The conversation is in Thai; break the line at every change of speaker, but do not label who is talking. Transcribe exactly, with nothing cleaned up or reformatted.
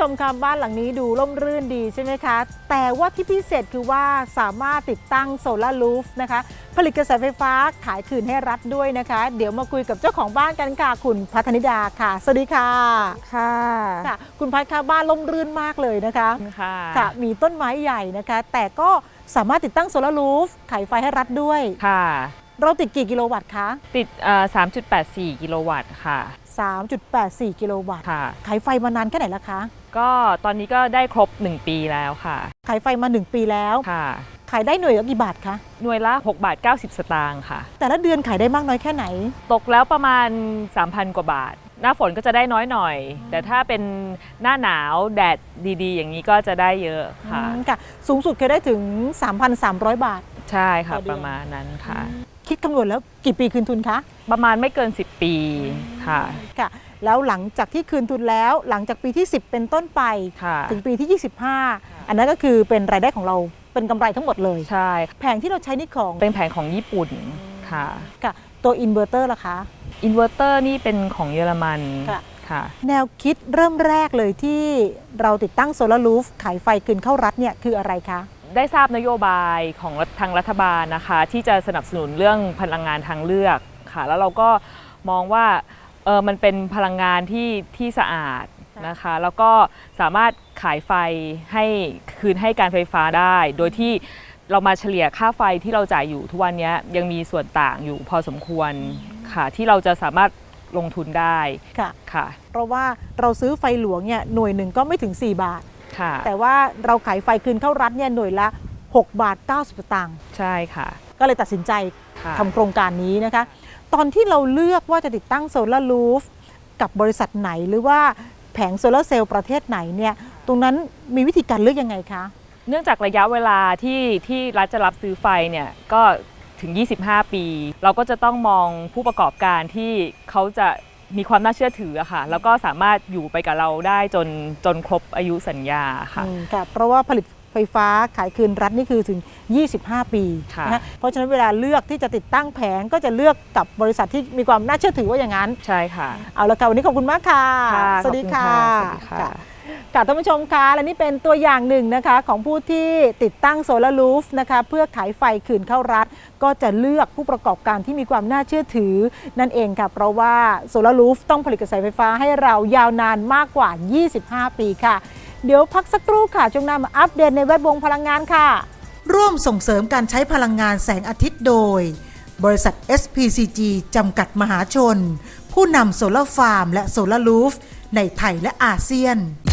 ชมคะบ้านหลังนี้ดูร่มรื่นดีใช่ไหมคะแต่ว่าที่พิเศษคือว่าสามารถติดตั้งโซลาร์รูฟนะคะผลิตกระแสไฟฟ้าขายคืนให้รัฐด้วยนะคะเดี๋ยวมาคุยกับเจ้าของบ้านกันค่ะคุณพัฒนิดาค่ะสวัสดีค่ะ
ค่ะ
ค่ะคุณพัฒค่ะบ้านร่มรื่นมากเลยนะคะ
ค่ะ
ค่ะมีต้นไม้ใหญ่นะคะแต่ก็สามารถติดตั้งโซลาร์รูฟขายไฟให้รัฐด้วย
ค่ะ
เราติดกี่กิโลวัตต์คะ
ติด สามจุดแปดสี่ กิโลวัตต์ค่ะ
สามจุดแปดสี่ กิโลวัตต์
ค่ะ
ขายไฟมานานแค่ไหนแล้วคะ
ก็ตอนนี้ก็ได้ครบหนึ่งปีแล้วค่ะ
ขายไฟมาหนึ่งปีแล้ว
ค่ะ
ขายได้หน่วยละกี่บาทคะ
หน่วยละหกบาทเก้าสิบสตางค์ค่ะ
แต่ละเดือนขายได้มากน้อยแค่ไหน
ตกแล้วประมาณ สามพัน กว่าบาทหน้าฝนก็จะได้น้อยหน่อยแต่ถ้าเป็นหน้าหนาวแดดดีๆอย่างนี้ก็จะได้เยอะค่ะ
ค่ะสูงสุดเคยได้ถึง สามพันสามร้อย บาท
ใช่ค่ะประมาณนั้นค่ะ
คิดคำนวณแล้วกี่ปีคืนทุนคะ
ประมาณไม่เกินสิบปีค่ะ
ค่ะแล้วหลังจากที่คืนทุนแล้วหลังจากปีที่สิบเป็นต้นไปถึงปีที่ยี่สิบห้าอันนั้นก็คือเป็นรายได้ของเราเป็นกำไรทั้งหมดเลย
ใช่
แผงที่เราใช้นี่ของ
เป็นแผงของญี่ปุ่นค่ะ
ค่ะตัวอินเวอร์เตอร์ล่ะคะ
อินเวอร์เตอร์นี่เป็นของเยอรมัน
ค่ะแนวคิดเริ่มแรกเลยที่เราติดตั้งโซลาร์รูฟขายไฟคืนเข้ารัฐเนี่ยคืออะไรคะ
ได้ทราบนโยบายของทางรัฐบาลนะคะที่จะสนับสนุนเรื่องพลังงานทางเลือกค่ะแล้วเราก็มองว่าเออมันเป็นพลังงานที่ที่สะอาดนะคะแล้วก็สามารถขายไฟให้คืนให้การไฟฟ้าได้โดยที่เรามาเฉลี่ยค่าไฟที่เราจ่ายอยู่ทุกวันนี้ยังมีส่วนต่างอยู่พอสมควรค่ะที่เราจะสามารถลงทุนได้
ค่ะ
ค่ะ
เพราะว่าเราซื้อไฟหลวงเนี่ยหน่วยหนึ่งก็ไม่ถึงสี่บาทแต่ว่าเราขายไฟคืนเข้ารัฐเนี่ยหน่วยละหกบาทเก้าสิบสตางค์
ใช่ค่ะ
ก็เลยตัดสินใจทำโครงการนี้นะคะตอนที่เราเลือกว่าจะติดตั้งโซลาร์รูฟกับบริษัทไหนหรือว่าแผงโซลาร์เซลล์ประเทศไหนเนี่ยตรงนั้นมีวิธีการเลือกยังไงคะ
เนื่องจากระยะเวลาที่ที่รัฐจะรับซื้อไฟเนี่ยก็ถึงยี่สิบห้าปีเราก็จะต้องมองผู้ประกอบการที่เขาจะมีความน่าเชื่อถือค่ะแล้วก็สามารถอยู่ไปกับเราได้จนจนครบอายุสัญญาค่ะ
ค่ะเพราะว่าผลิตไฟฟ้าขายคืนรัฐนี่คือถึงยี่สิบห้าปีนะเพราะฉะนั้นเวลาเลือกที่จะติดตั้งแผงก็จะเลือกกับบริษัทที่มีความน่าเชื่อถือว่าอย่างนั้น
ใช่ค่ะ
เอาละค่ะวันนี้ขอบคุณมากค่ะ
สวัสดีค่ะ
ค่ะท่านผู้ชมคะและนี่เป็นตัวอย่างหนึ่งนะคะของผู้ที่ติดตั้งโซลาร์รูฟนะคะเพื่อขายไฟคืนเข้ารัฐก็จะเลือกผู้ประกอบการที่มีความน่าเชื่อถือนั่นเองค่ะเพราะว่าโซลาร์รูฟต้องผลิตกระแสไฟฟ้าให้เรายาวนานมากกว่ายี่สิบห้าปีค่ะเดี๋ยวพักสักครู่ค่ะช่วงหน้ามาอัปเดตในแวดวงพลังงานค่ะร่วมส่งเสริมการใช้พลังงานแสงอาทิตย์โดยบริษัท เอส พี ซี จี จำกัดมหาชนผู้นำโซลาร์ฟาร์มและโซลาร์รูฟในไทยและอาเซียน